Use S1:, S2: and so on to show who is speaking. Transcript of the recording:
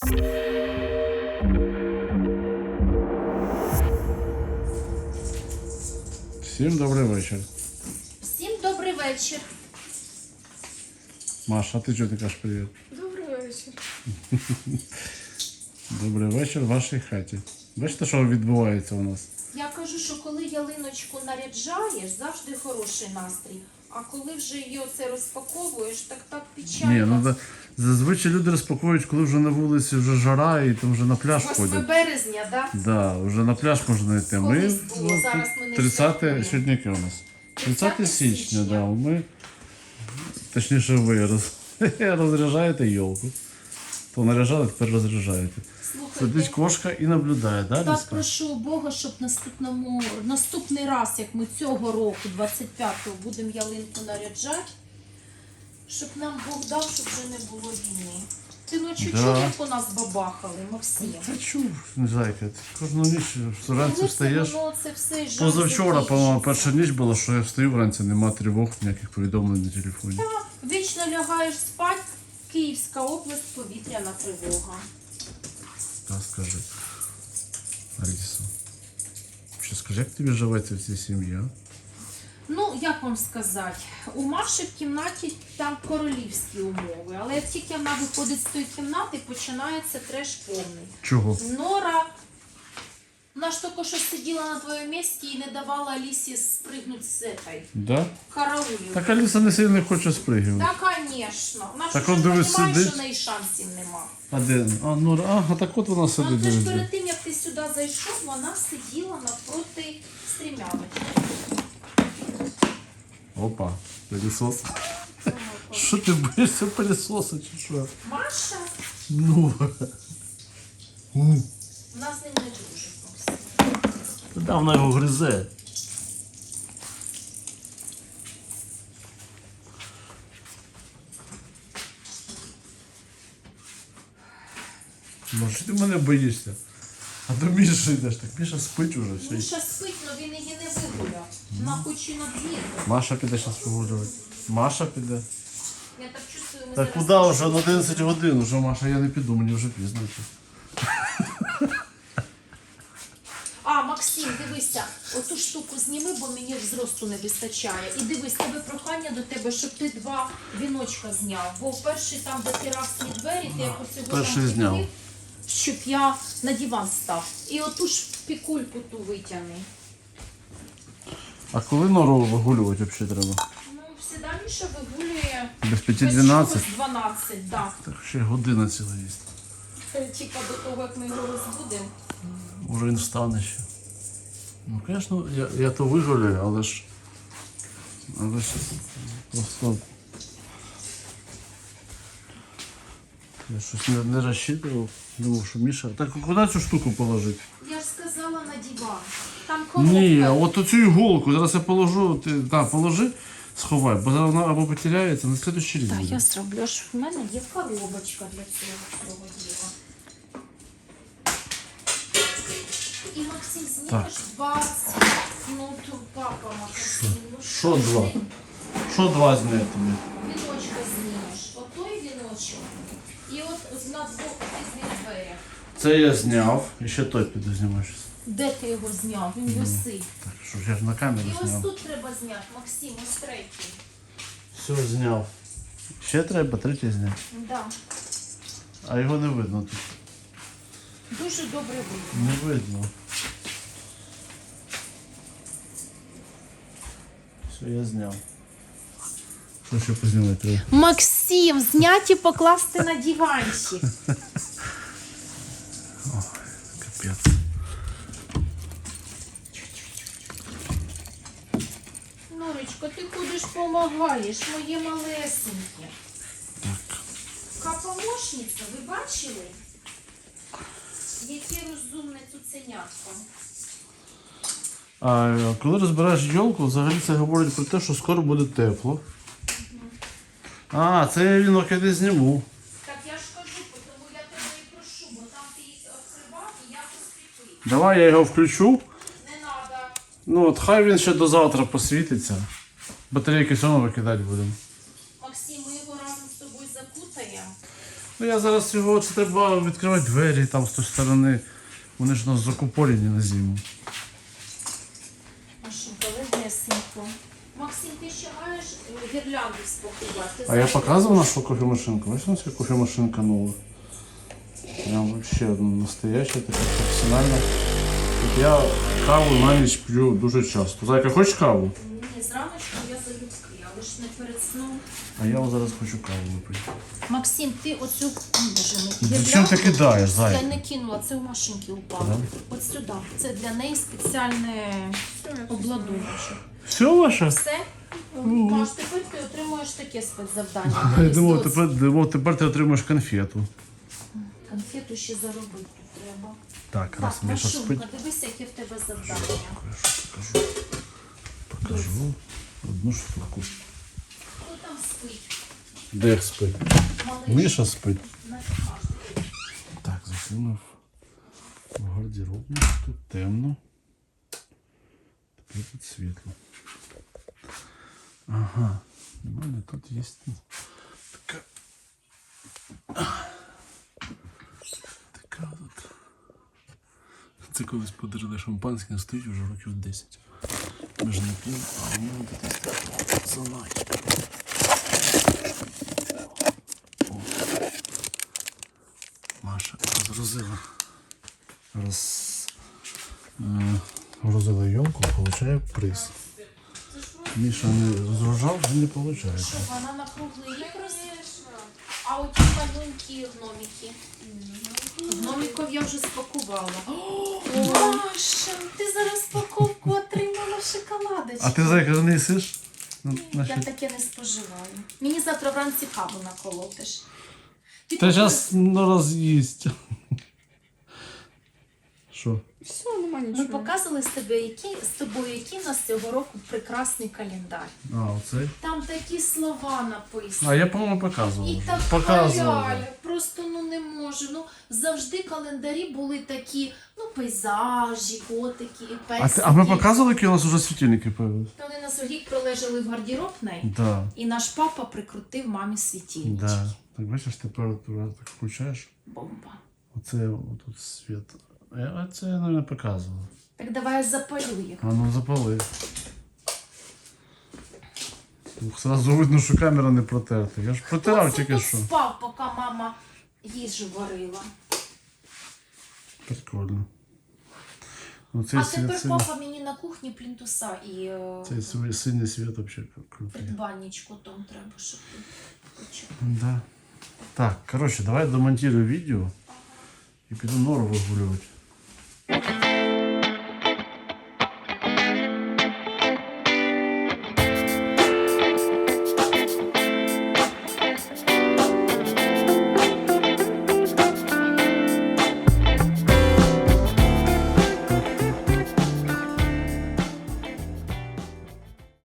S1: Всім добрий вечір.
S2: Всім добрий вечір.
S1: Маша, а ти чого ти кажеш привіт?
S2: Добрий вечір.
S1: Добрий вечір в вашій хаті. Бачите, що відбувається у нас?
S2: Я кажу, що коли ялиночку наряджаєш, завжди хороший настрій. А коли вже її оце розпаковуєш, так печально.
S1: Ні, ну зазвичай люди розпаковують, коли вже на вулиці вже жара і там вже на пляж
S2: 8
S1: ходять.
S2: березня, так? Да?
S1: Да, вже на пляж можна йти.
S2: Колись було, зараз ми не
S1: 30
S2: святкуємо.
S1: сьогодні яке у нас? 30
S2: 30
S1: січня,
S2: січня.
S1: да. Ми, точніше ви розряджаєте йолку. То наряжали, тепер розряджаєте. Сидить
S2: Слухайте,
S1: кошка і наблюдає, да,
S2: так
S1: Ліска?
S2: прошу Бога, щоб наступний раз, як ми цього року, 25-го, будемо ялинку наряджати, щоб нам Бог дав, щоб вже не було війни. Ти ночі
S1: Да.
S2: чув, як у нас бабахали, Максим?
S1: Та чув, не зайка. Кожну ніч вранці
S2: Коли
S1: встаєш.
S2: воно це все жах
S1: Позавчора,
S2: закінчиться?
S1: по-моєму, перша ніч була, що я встаю вранці, нема тривог, ніяких повідомлень на телефоні.
S2: Так, вічно лягаєш спать, Київська область, повітряна тривога.
S1: Та скажи, Аліса, ще скажи, як тобі живеться в цій сім'ї, а?
S2: Ну, як вам сказати, у Маші в кімнаті там королівські умови, але як тільки вона виходить з тої кімнати, починається треш повний.
S1: Чого?
S2: Нора, вона ж тільки що сиділа на твоєму місці і не давала Алісі спригнути з цієї
S1: Да?
S2: караулі.
S1: Так Аліса не сильно хоче спригувати.
S2: Та, звісно. Вона ж
S1: Так
S2: вже
S1: он, дивись,
S2: розуміє,
S1: сидить.
S2: що в неї шансів нема.
S1: А де? А, ну, ага, так от вона сидить.
S2: Ну, це ж
S1: дивись.
S2: перед тим, як ти сюди зайшов, вона сиділа навпроти стрімяночки.
S1: Опа, пилісос. Що ти боїшся пилісоса чи що?
S2: Маша,
S1: Ну.
S2: вона з ним не дружить. Максим.
S1: Да, вона його гризе. Може, ти мене боїшся? А до Міші йдеш, так Міша спить уже. Все.
S2: Міша спить, але він її не вигуляв. Вона хоче на двір.
S1: Маша піде зараз погоджувати. Маша піде.
S2: Я так чувствую, ми
S1: Так
S2: зараз...
S1: куди вже? На 11 годин уже, Маша, я не піду, мені вже пізно.
S2: А, Максим, дивися, оту штуку зніми, бо мені зросту не вистачає. І дивись, тебе прохання до тебе, щоб ти 2 віночка зняв. Бо перший там, де терасні двері, ти як оцього
S1: перший
S2: там
S1: зняв.
S2: підвів, щоб я на диван став. І оту ж пікульку ту витягни.
S1: А коли нору вигулювати взагалі треба?
S2: Ну, всегда Міша вигулює
S1: Без
S2: без
S1: 5-12?
S2: чогось 12, да.
S1: Так ще година ціла є.
S2: Типа до того, як ми його розбудемо.
S1: Може він встане ще. Ну, звісно, я то вигулюю, але ж просто я щось не розчитував. Думав, що Міша. Так куди цю штуку положити?
S2: Я ж сказала на диван. Там коробка.
S1: Ні, а от оцю іголку, зараз я положу, ти положи, сховай, бо зараз вона або потеряється, на слідущий рік.
S2: Так,
S1: буде.
S2: я зроблю, що в мене є коробочка для цього діла. І Максим, знімеш 20, ну то папа Максим, ну
S1: Що два? Що два зняти тобі?
S2: віночка знімеш, отой віночок, і от на двох різних дверях.
S1: Це я зняв, і ще той піду знімаю.
S2: Де ти його зняв? Він висить.
S1: Так, що ж я ж на камеру
S2: І ось
S1: зняв.
S2: тут треба зняти, Максим, ось третій.
S1: Все зняв. Ще треба третій зняти.
S2: Да.
S1: А його не видно тут.
S2: Дуже добре видно.
S1: Не видно. Все, я зняв. Що ще познімати треба?
S2: Максим, зняти і покласти на диванчик.
S1: Капець.
S2: Норочко, ти ходиш, помагаєш, моє малесеньке.
S1: Так.
S2: Помощниця, ви бачили? Яке розумне цуценятко.
S1: А коли розбираєш йолку, взагалі це говорить про те, що скоро буде тепло. А, це я вінок я десь зніму.
S2: Так я ж кажу, тому я тебе і прошу, бо там ти їх відкривав і я поскріпив.
S1: Давай я його включу.
S2: Не треба.
S1: Ну от хай він ще до завтра посвітиться. Батарейки все одно викидати будемо.
S2: Максим, ми його разом з тобою закутаємо.
S1: то я зараз його, це треба відкривати двері там з тої сторони. Вони ж у нас закупорені на зиму.
S2: Машинка, легесенько. Максим, ти ще маєш гірлянду спакувати?
S1: А я показывал нашу кофемашинку. Бачите, у нас є кофемашинка нова. Прям вообще настоящая, така професіональна. Тут я каву на ніч п'ю дуже часто. Зайка, хочеш каву?
S2: Ні, зраночку я залюбки, але ж не перед сном.
S1: А я зараз хочу каву випити.
S2: Максим, ти оцю
S1: Зачем ти кидаєш,
S2: Я
S1: Зайка?
S2: не кинула, це у машинки упало.
S1: Да?
S2: От сюди. Це для неї спеціальне обладуночок.
S1: Все ваше?
S2: Все? Маш, тепер ти отримуєш таке спецзавдання.
S1: Я
S2: Вивезти
S1: тепер ти отримаєш конфету.
S2: конфету ще заробити треба.
S1: Так, раз
S2: Так,
S1: Міша спить.
S2: Машунка, дивися, яке в тебе завдання.
S1: Покажу. Покажу одну штуку.
S2: Хто там спить?
S1: Де спить?
S2: Малий.
S1: Міша спить.
S2: На каждий.
S1: Так, закинув в гардеробну. Тут темно. Тепер тут світло. Ага. У мене тут є така. Така тут. Це колись подарили шампанське, стоїть вже років 10. Ми ж не п'ємо, а у мене тут є така заначка. О. Маша розгрузила. Розгрузила йомку, получає приз. Міша не розгружав, він не получає.
S2: Що, вона на круглий рік розвішена? А оті маленькі гномики? Гномиків я вже спакувала. О, Маша, ти зараз паковку отримала шоколадочку.
S1: А ти, Зайка, не їсиш?
S2: Я таке не споживаю. Мені завтра вранці каву наколотиш.
S1: Та зараз раз їсть. Що?
S3: Все, нема
S2: Ми
S3: нічого.
S2: показували з тобою, який у нас цього року прекрасний календар.
S1: А, оцей?
S2: Там такі слова написані.
S1: А я, по-моєму, показував.
S2: І
S1: вже.
S2: так
S1: Показував.
S2: халяля, просто не можу. Завжди календарі були такі, пейзажі, котики, песики.
S1: А ми показували, які у нас вже світильники появились?
S2: Вони нас рік пролежали в гардеробній,
S1: Да.
S2: і наш папа прикрутив мамі світильнички.
S1: Да. Так бачиш, температура так включаєш.
S2: Бомба.
S1: Оце тут світ. А це я не показував.
S2: Так давай я запалю їх.
S1: А ну запали. Ух, сразу видно, що камера не протерта. Я ж протирав
S2: Хто це
S1: тільки
S2: тут
S1: що.
S2: спав, поки мама їжу варила.
S1: Прикольно. Ну, цей
S2: А
S1: світ
S2: тепер
S1: синій,
S2: папа мені на кухні плінтуса і
S1: цей синій світ взагалі крутий.
S2: придбанничку там треба, щоб ти включив.
S1: Да. Так, коротше, давай домонтирую відео і піду нору вигулювати.